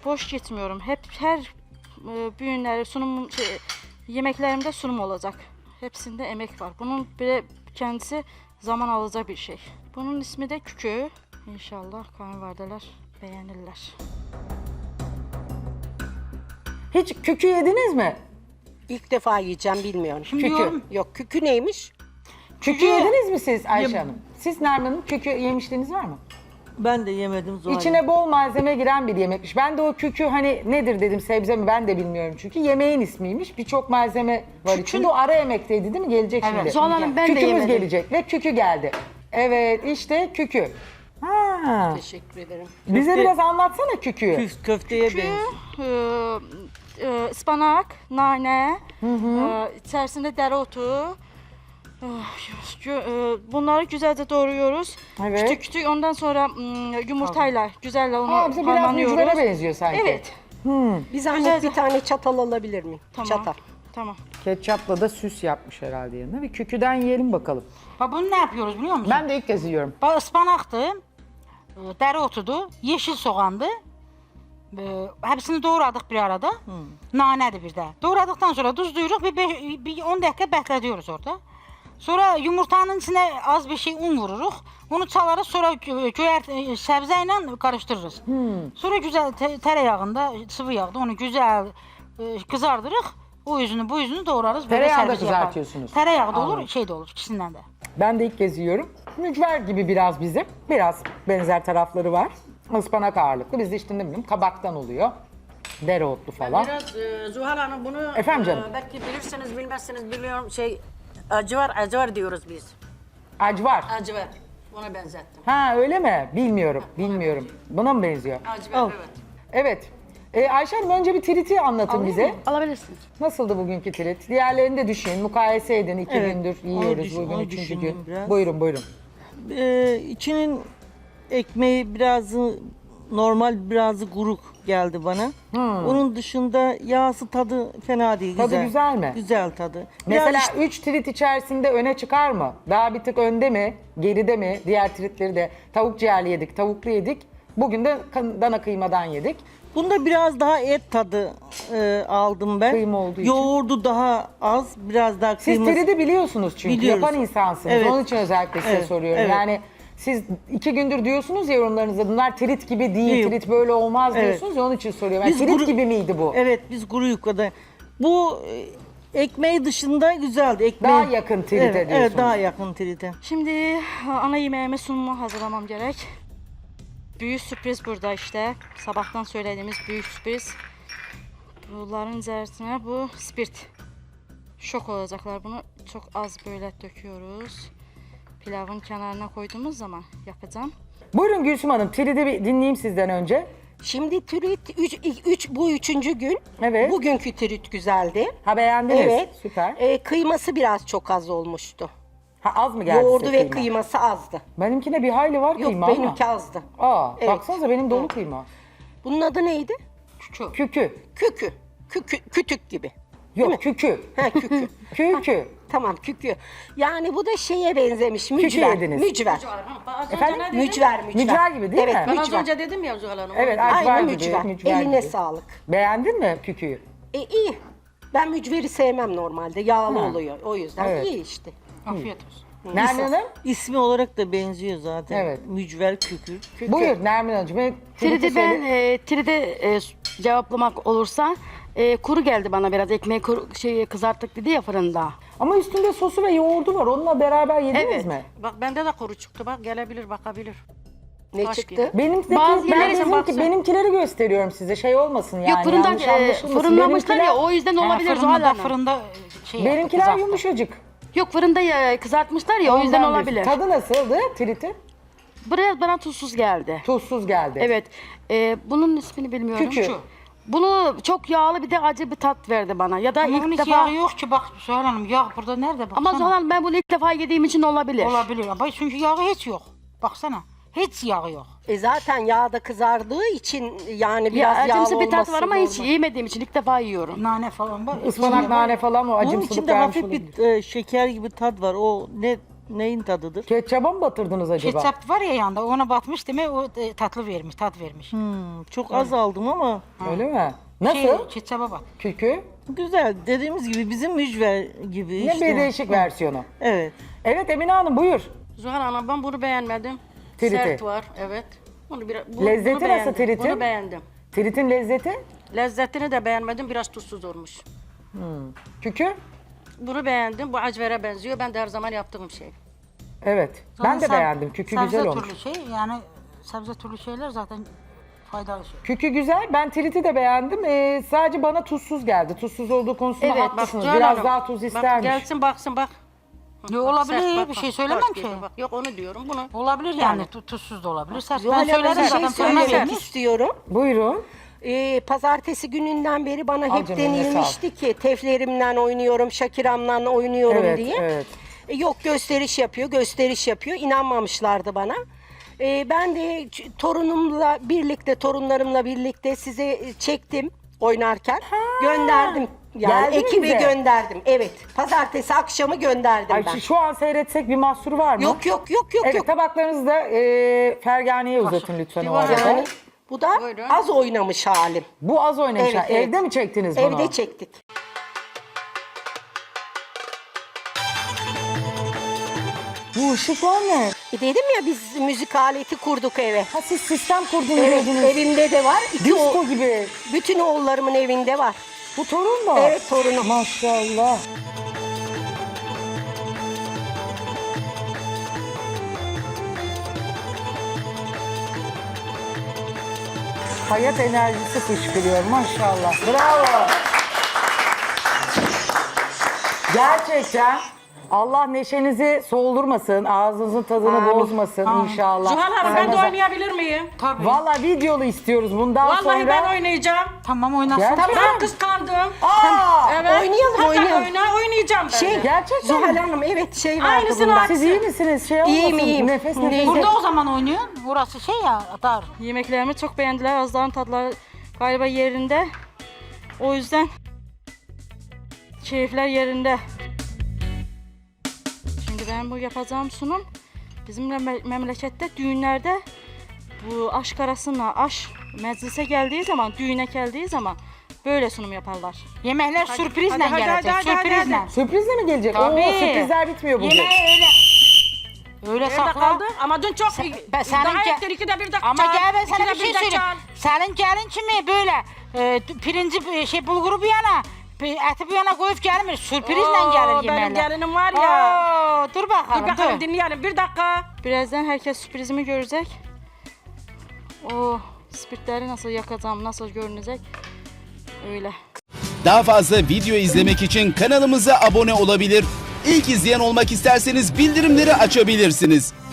boş gitmiyorum. Hep her düğünleri, sunum, yemeklerimde sunum olacak. Hepsinde emek var. Bunun bile kendisi zaman alacak bir şey. Bunun ismi de kükü. İnşallah kayınvalideler beğenirler. Hiç kükü yediniz mi? İlk defa yiyeceğim bilmiyorum. Kükü. Yok kükü neymiş? Kükü yediniz mi siz Ayşe Hanım? Siz Nermin Hanım kükü yemişliğiniz var mı? Ben de yemedim Zuhal. İçine bol malzeme giren bir yemekmiş. Ben de o kükü hani nedir dedim, sebze mi ben de bilmiyorum çünkü. Yemeğin ismiymiş. Birçok malzeme var içinde. O ara yemekteydi değil mi? Gelecek şimdi. Zuhal Hanım, ben de Kükümüz yemedim. gelecek ve kükü geldi. Evet işte kükü. Ha. Teşekkür ederim. Bize biraz anlatsana küküyü. Köfteye benziyor. Ispanak, nane, içerisinde dereotu. Bunları güzelce doğruyoruz. Evet. Küçük küçük ondan sonra yumurtayla güzelle onu Aa, bize biraz harmanlıyoruz. mücvere benziyor sanki. Evet. Bir zahmet Güzelce. bir tane çatal alabilir miyim? Tamam. Çatal. Tamam. Ketçapla da süs yapmış herhalde yanına. Bir küküden yiyelim bakalım. Bak bunu ne yapıyoruz biliyor musun? Ben de ilk kez yiyorum. Bak ıspanaktı, dereotudu, yeşil soğandı. Hepsini doğradık bir arada. Nanedir bir de. Doğradıktan sonra tuzluyoruz bir 10 dakika bekletiyoruz orada. Sonra yumurtanın içine az bir şey un vururuz. Onu çalarız sonra sebzeyle karıştırırız. Sonra güzel tereyağında, sıvı yağda onu güzel kızardırırız. O yüzünü bu yüzünü doğrarız. Böyle Tereyağında servis yaparız. kızartıyorsunuz. Tereyağı da Anladım. olur, şey de olur, ikisinden de. Ben de ilk kez yiyorum. Mücver gibi biraz bizim. Biraz benzer tarafları var. Ispanak ağırlıklı. Biz de işte ne bileyim kabaktan oluyor. Dereotlu falan. Biraz Zuhal Hanım bunu Efendim canım? Belki bilirsiniz bilmezsiniz biliyorum acıvar diyoruz biz. Acvar. Acıvar. Ona benzettim. Ha öyle mi? Bilmiyorum. Bilmiyorum. Buna mı benziyor? Acıvar evet. Evet. Ayşe Hanım önce bir triti anlatın bize. Alabilirsin. Nasıldı bugünkü trit? Diğerlerini de düşünün. Mukayese edin. 2 Evet, gündür onu yiyoruz. düşün- Bugün onu 3. gün. düşündüm biraz. Buyurun buyurun. İçinin ekmeği biraz normal, biraz kuruk geldi bana. Onun dışında yağsı tadı fena değil. Tadı güzel mi? Güzel tadı. Mesela Biraz işte- 3 trit içerisinde öne çıkar mı? Daha bir tık önde mi? Geride mi? Diğer tritleri de tavuk ciğerli yedik, tavuklu yedik. Bugün de dana kıymadan yedik. bunda biraz daha et tadı aldım ben. Kıyma olduğu için. Yoğurdu daha az, biraz daha Siz kıyması. tridi biliyorsunuz çünkü. Biliyoruz. Yapan insansınız. Evet. Onun için özellikle size Evet, soruyorum. evet. Yani siz 2 gündür diyorsunuz ya yorumlarınızda bunlar trit gibi değil, Yok. trit böyle olmaz Evet. diyorsunuz ya onun için soruyorum. Yani Biz trit kuru- gibi miydi bu? Evet, biz kuru yufkada. Bu ekmeği dışında güzeldi. Ekmeği... Daha yakın trite evet, diyorsunuz. Evet, daha yakın trite. Şimdi ana yemeğime sunumu hazırlamam gerek. Büyük sürpriz burada işte. Sabahtan söylediğimiz büyük sürpriz. Bunların içerisine bu spirt. Şok olacaklar. Bunu çok az böyle döküyoruz. Pilavın kenarına koyduğumuz zaman yapacağım. Buyurun Gülsüm Hanım, tridi bir dinleyeyim sizden önce. Şimdi trit bu üçüncü gün. Evet. Bugünkü trit güzeldi. Ha beğendiniz. Evet. Süper. Kıyması biraz çok az olmuştu. Ha az mı geldi Yoğurdu size ve kıyma? kıyması azdı. Benimkine bir hayli var Yok kıyma benimki ama. azdı. Aa, Evet. baksanıza benim dolu kıyma. Bunun adı neydi? Kükü. Kükü. Kütük gibi. Yok kükü. Ha kükü. Kükü. Tamam kükü. Yani bu da şeye benzemiş. Kükü Mücver. yediniz. Mücver. Efendim? Mücver. Mücver gibi değil evet, mi? Ben az mücver. önce dedim ya Zuhal Hanım. Evet, acvar Aynı gibi. mücver. Mücver Eline gibi. sağlık. Beğendin mi küküyü? İyi. Ben mücveri sevmem normalde. Yağlı Ha. oluyor. O yüzden Evet. iyi işte. Afiyet olsun. Nermin Hanım? İsmi olarak da benziyor zaten. Evet. Mücver kükür. Buyur Nermin Hanımcığım. Tridi ben cevaplamak olursa kuru geldi bana biraz. Ekmeği kızarttık dedi ya fırında. Ama üstünde sosu ve yoğurdu var. Onunla beraber yediniz Evet. mi? Bak bende de kuru çıktı bak gelebilir bakabilir. Ne Taş çıktı? gibi. Bazı yerlere baksın. Benimkileri gösteriyorum size. Şey olmasın yani. Yok fırından yanlış anlaşılmasın. fırınlamışlar ya Benimkiler- o yüzden olabilir Zuhal Fırında, Hanım. fırında şey yaptı, Benimkiler kızarttı. yumuşacık. Yok fırında kızartmışlar ya o yüzden Ondan olabilir. diyorsun. Tadı nasıldı triti? Buraya bana tuzsuz geldi. Tuzsuz geldi. Evet. Bunun ismini bilmiyorum. Kükü. Bunu çok yağlı bir de acı bir tat verdi bana. Ya da Ama onun ilk hiç defa... yağı yok ki bak Zuhal Hanım yağ burada nerede baksana. Ama Zuhal Hanım ben bunu ilk defa yediğim için olabilir. Olabilir ama çünkü yağı hiç yok. Baksana hiç yağı yok. Zaten yağda kızardığı için yani Ya biraz yağlı acımsı bir tat olması var ama hiç normal. yemediğim için ilk defa yiyorum. Nane falan var. Ispanak, nane falan o Bunun acımsılık içinde vermiş hafif olabilir. bir şeker gibi tat var. O ne Neyin tadıdır? Ketçaba mı batırdınız acaba? Ketçap var ya yanında ona batmış demek o tatlı vermiş, tat vermiş. Çok az aldım ama Öyle mi? Nasıl? Ketçaba bak. Kükü? güzel. Dediğimiz gibi bizim mücver gibi Yine işte. bir değişik versiyonu. Evet. Evet Emine Hanım buyur. Zuhal Hanım ben bunu beğenmedim. Triti. Sert var, evet. Lezzeti nasıl beğendim, tritin? Bunu beğendim. Tritin lezzeti? Lezzetini de beğenmedim, biraz tuzsuz olmuş. Kükü? Bunu beğendim, bu acvere benziyor. Ben de her zaman yaptığım şey. Evet. Ben de beğendim. Kükü güzel olmuş. Sebze türlü şey yani sebze türlü şeyler zaten faydalı şey. Kükü güzel. Ben triti de beğendim. Sadece bana tuzsuz geldi. Tuzsuz olduğu konusunda Evet, haklısınız. Zuhal Biraz Hanım, daha tuz Bak istermiş. gelsin baksın bak. Yo, Bak, olabilir, sert, bak, bir bak, şey bak, söylemem bak, ki. Bak, yok onu diyorum bunu. Olabilir yani tuzsuz da olabilir. Sert. Ben Zuhal Hanım, söylerim bir zaten. şey fırına söylemek vermiş. istiyorum. Buyurun. Pazartesi gününden beri bana Al hep canım, eline denilmişti ki teflerimden oynuyorum, Şakiram'dan oynuyorum Evet, diye. evet. Yok gösteriş yapıyor, gösteriş yapıyor. İnanmamışlardı bana. Ben de torunlarımla birlikte size çektim oynarken. Gönderdim. Yani geldi mi ekibe bize? gönderdim. Evet. Pazartesi akşamı gönderdim Ay, ben. şu an seyretsek bir mahsuru var mı? Yok. Evet tabaklarınızı da Fergane'ye uzatın lütfen o arada. Yani bu da Buyurun. az oynamış halim. Bu az oynamış. Evet, evet. Evde mi çektiniz bunu? Evde çektik. Bu ışıklar ne? Dedim ya biz müzik aleti kurduk eve. Ha siz sistem kurdunuz Evet, dediniz. evimde de var. Disko gibi. Bütün oğullarımın evinde var. Bu torun mu? Evet, torunum. Maşallah. Hayat enerjisi fışkırıyor maşallah. Bravo. Gerçekten Allah neşenizi soğudurmasın, ağzınızın tadını bozmasın inşallah. Zuhal Hanım ben de Ramazan- oynayabilir miyim? Tabii. Vallahi videolu istiyoruz bundan Vallahi sonra. ben oynayacağım. Tamam oynasın. Gerçekten. Ben kıskandım. Aa! Evet. Oynayalım, oynayalım. Oynayacağım ben de. Gerçekten Zuhal mi? Hanım evet şey vardı Aynısını bunda. Siz iyi misiniz? Şey olmasın. iyiyim. Nefes nefes. Burada o zaman oynuyorsun. Burası şey ya dar. Yemeklerimi çok beğendiler. Azların tadları galiba yerinde. O yüzden keyifler yerinde. Şimdi ben bu yapacağım sunum bizim memlekette düğünlerde bu aşk arasına aş meclise geldiği zaman, düğüne geldiği zaman böyle sunum yaparlar. Yemekler sürprizle hadi, gelecek. hadi, Sürprizle. Sürprizle mi gelecek? Tabii. Oo, sürprizler bitmiyor bugün. Yemeği öyle Nerede sakla. kaldı? Ama dün çok Ben senin daha ge- ettir, ikide bir de Ama çal, gel ben sana ikide bir şey de söyleyeyim. çal. Senin gelin kimi böyle pirinci bulguru bir yana eti bir yana koyup gelmiyor. Sürprizle Oo, gelir benim yemeğler. gelinim var ya. Oo, dur bakalım. Dur bakalım dinleyelim bir dakika. Birazdan herkes sürprizimi görecek. O spirtleri nasıl yakacağım, nasıl görünecek öyle. Daha fazla video izlemek için kanalımıza abone olabilir. İlk izleyen olmak isterseniz bildirimleri açabilirsiniz.